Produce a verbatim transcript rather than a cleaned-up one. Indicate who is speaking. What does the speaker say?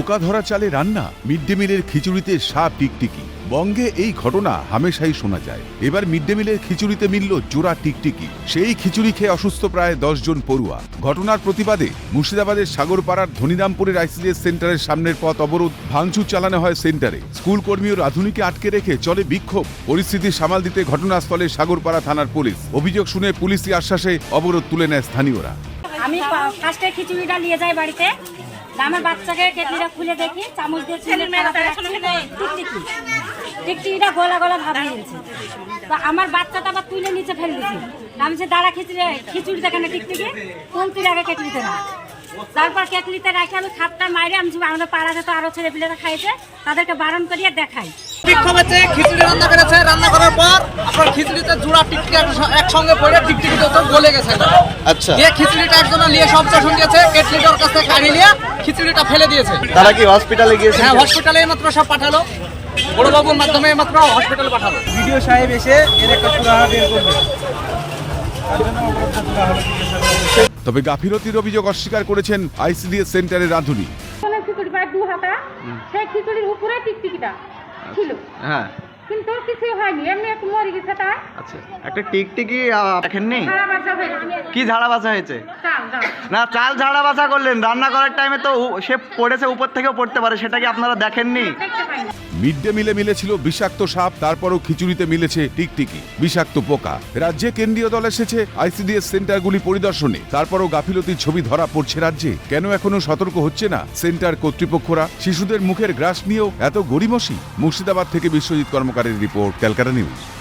Speaker 1: পোকা ধরা চালে রান্না, মিড ডে মিলের খিচুড়িতে সাপ টিকটিকি। বঙ্গে এই ঘটনা হামেশাই শোনা যায়। এবার মিড ডে মিলের খিচুড়িতে মিলল জোড়া টিকটিকি। সেই খিচুড়ি খেয়ে অসুস্থ প্রায় দশ জন পড়ুয়া। ঘটনার প্রতিবাদে মুর্শিদাবাদের সাগরপাড়ার ধনিরামপুরের আইসিডিএস সেন্টারের সামনের পথ অবরোধ, ভাঙচুর চালানো হয় সেন্টারে। স্কুল কর্মী ও রাধুনীকে আটকে রেখে চলে বিক্ষোভ। পরিস্থিতি সামাল দিতে ঘটনাস্থলে সাগরপাড়া থানার পুলিশ। অভিযোগ শুনে পুলিশি আশ্বাসে অবরোধ তুলে নেয় স্থানীয়রা।
Speaker 2: আমি ফার্স্টে খিচুড়িটা নিয়ে যাই বাড়িতে, আমার বাচ্চাকে কেটলিটা খুলে দেখি চামচ দিয়ে টিকটিকি টিকটিকিটা গলা গলা ভাব নিয়েছে। তো আমার বাচ্চাটা আবার তুলে নিচে ফেলে দিয়েছি। আমি যে দাঁড়া খিচুড়ি খিচুড়ি দেখানে টিকটিকি কোন তুই আগে কেটলিতে না। তারপর কেটলিতে রাখি আমি খাপটা মাইরে আমি আমাদের পাড়াতে তো আরো ছেলে পিলেরা খাইছে, তাদেরকে বারণ করিয়ে দেখাই।
Speaker 3: বিক্ষোভ হচ্ছে, খিচুড়ি রান্না করেছে, রান্না করার পর আপনার খিচুড়িতে জোড়া টিকটিকি একসঙ্গে পড়ে টিকটিকিতে তো গলে গেছে।
Speaker 4: আচ্ছা,
Speaker 3: দিয়ে খিচুড়িটা একজন নিয়ে সবচেয়ে দিয়েছে, কেটলিটার কাছ থেকে কাঢ়ি নিয়ে খিচুড়িটা ফেলে দিয়েছে।
Speaker 4: তারা কি হসপিটালে গিয়েছে?
Speaker 3: হ্যাঁ, হসপিটালে মাত্র সব পাঠালো, বড়বাবুর মাধ্যমে মাত্র হসপিটালে পাঠালো।
Speaker 5: ভিডিও সাহেব এসে এর একটা সুরাহা বের করবে।
Speaker 1: তবে গাফিলতির অভিযোগ অস্বীকার করেছেন আইসিডিএস সেন্টারের রাধুনী।
Speaker 2: খিচুড়ি প্রায় দু হাতা, সেই খিচুড়ির উপরে টিকটিকিটা ছিল,
Speaker 4: হ্যাঁ,
Speaker 2: কিন্তু কিছু হয়নি, এমনি একটু মরে গেছে। তাই
Speaker 4: আচ্ছা, একটা টিকটিকি দেখেননি?
Speaker 2: ঝাড়া বাছা হয়েছে।
Speaker 4: কি ঝাড়া বাছা হয়েছে?
Speaker 2: চাল চাল
Speaker 4: না, চাল ঝাড়া বাছা করলেন রান্না করার টাইমে তো উ- সে পড়েছে, উপর থেকেও পড়তে পারে, সেটা কি আপনারা দেখেননি?
Speaker 2: দেখতে পাইনি।
Speaker 1: মিড ডে মিলে মিলেছিল বিষাক্ত সাপ, তারপরও খিচুড়িতে মিলেছে টিকটিকি, বিষাক্ত পোকা। রাজ্যে কেন্দ্রীয় দল এসেছে আইসিডিএস সেন্টারগুলি পরিদর্শনে, তারপরও গাফিলতির ছবি ধরা পড়ছে রাজ্যে। কেন এখনো সতর্ক হচ্ছে না সেন্টার কর্তৃপক্ষরা? শিশুদের মুখের গ্রাস নিয়েও এত গড়িমসি? মুর্শিদাবাদ থেকে বিশ্বজিৎ কর্মকারের রিপোর্ট, ক্যালকাটা নিউজ।